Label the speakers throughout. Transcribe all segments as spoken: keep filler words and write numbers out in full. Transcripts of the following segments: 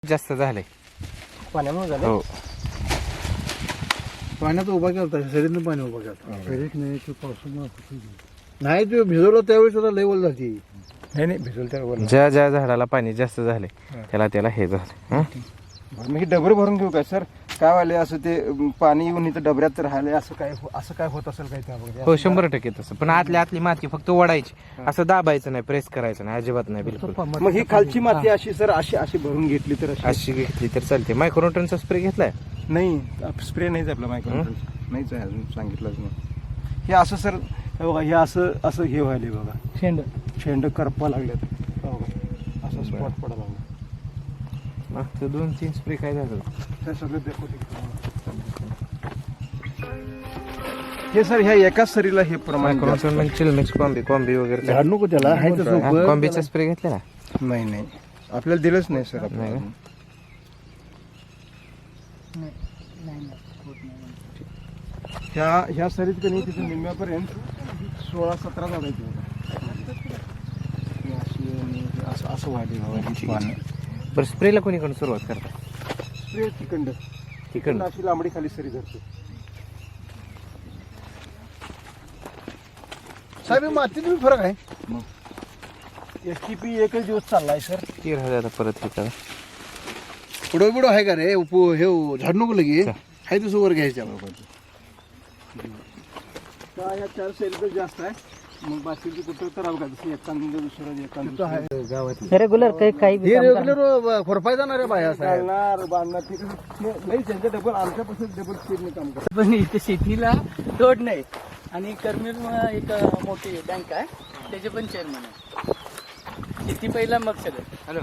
Speaker 1: जास्त झालंय
Speaker 2: पाण्यामुळे झालं.
Speaker 1: हो
Speaker 3: पाण्यात उभा केला शरीरनं पाणी उभा केला शरीर नाही तो पावसामुळे नाही तो भिजवलं त्यावेळेस त्याला लेवल झाली.
Speaker 2: नाही नाही भिजवलं त्यावर
Speaker 1: ज्या ज्या झाडाला पाणी जास्त झाले त्याला त्याला हे झालं हं?
Speaker 2: मी डबरे भरून घेऊ काय सर? काय वाले असं ते अं, पाणी येऊन इथं डबऱ्यात राहिले असं काय असं काय होत असेल काय त्यामध्ये?
Speaker 1: हो शंभर टक्के तसं पण आतली आतली माती फक्त ओढायची असं दाबायचं नाही प्रेस करायचं नाही अजिबात नाही बिलकुल.
Speaker 2: मग ही खालची माती अशी सर अशी अशी भरून घेतली तर अशी
Speaker 1: अशी घेतली तर चालते. मायक्रोन्यूटनचा स्प्रे घेतलाय
Speaker 2: नाही स्प्रे नाहीच आपला मायक्रो नाहीच आहे अजून सांगितलंच नाही. हे असं सर हे बघा हे असं असं हे व्हायले बघा शेंड शेंड करपा लागल्यात हो बघा असं स्पॉट पडा लागला.
Speaker 1: मागचं दोन तीन स्प्रे काय झालं
Speaker 2: हे सगळं देखो हे सर ह्या एकाच सरीला हे प्रमाण
Speaker 1: मायक्रोन्यूटन म्हणजे चिलमिक्स कॉम्बी कॉम्बी वगैरे
Speaker 3: झाड नको त्याला आहे तसं उभं.
Speaker 1: कॉम्बीचा स्प्रे घेतलेला
Speaker 2: नाही नाही आपल्याला दिलंच नाही सर
Speaker 1: नाही
Speaker 2: आपल्याला.
Speaker 1: ना?
Speaker 2: ह्या ह्या सरीत कधी तिथे निम्म्यापर्यंत सोळा सतरा झाडायचे असं असं वाढले पाणी.
Speaker 1: बरं स्प्रेला कोणीकडून सुरुवात करता?
Speaker 2: स्प्रे तिकंड तिकंड अशी लांबडी खाली सरी धरते.
Speaker 3: साहेब मातीत बी फरक आहे.
Speaker 2: एस टी पी एकच दिवस चाललाय सर.
Speaker 1: तीर हजार परत हे करा.
Speaker 3: पुढं पुढं आहे का रे उप हे झाड नको लगे आहे तसं वर घ्यायच्या
Speaker 2: ह्या चार सरीतच जास्त आहे. मग बाकीची कुठं करावं का जसं एकांद दुसरं एकांद
Speaker 1: गावात
Speaker 4: रेग्युलर काही काही
Speaker 3: हे रेग्युलर खोरपाय जाणार आहे बाया साहेब.
Speaker 2: चालणार बांधणार ठीक आहे. नाही त्यांच्या डबल आमच्यापासून डबल स्पीडने काम करतात.
Speaker 4: पण इथे शेतीला तोड नाही. आणि करमीर म्हणून एक मोठी बँक आहे त्याचे पण चेअरमन आहे. शेती पहिला मग सगळं.
Speaker 1: हॅलो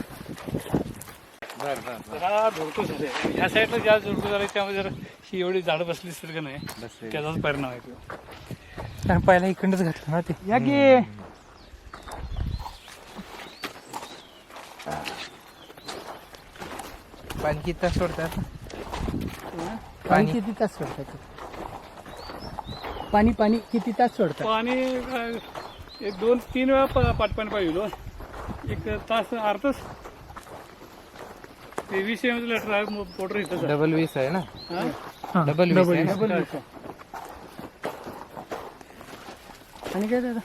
Speaker 5: हा धोडको झाले ह्या साईडला ज्या धोडको झाले त्यामध्ये जर ही एवढी झाडं बसली असतील का नाही त्याचाच परिणाम आहे तो.
Speaker 4: कारण पहिला इकडंच घातलं ना ते.
Speaker 5: या की
Speaker 1: पाणी किती तास सोडतात?
Speaker 4: पाणी किती तास सोडतात? पाणी पाणी किती तास सोडतात?
Speaker 5: पाणी अं, एक दोन तीन वेळा प- पाटपाणी पाहिजे एक तास अर्धा तास ते वीस एम लिटर आहे मोटर इथं
Speaker 1: डबल वीस आहे ना?
Speaker 5: हा?
Speaker 1: डबल वीस आहे ना?
Speaker 4: डबल वीस आहे. आणि काय दादा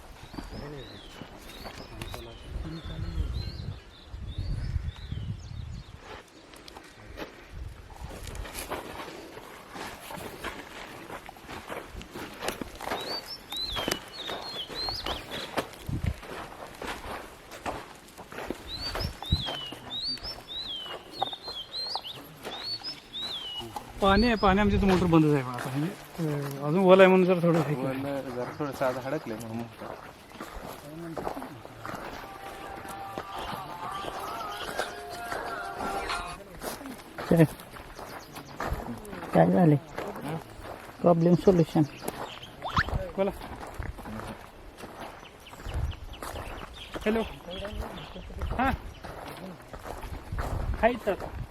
Speaker 5: पाणी आहे पाणी आमची मोटर बंदच आहे आता म्हणजे अं, अजून ओल आहे म्हणून जर थोडं हे केलं.
Speaker 1: जरा थोडंसं आता हडकले म्हणून
Speaker 4: काय काय झाले प्रॉब्लेम सोल्युशन?
Speaker 5: बोला हॅलो हां हाय तर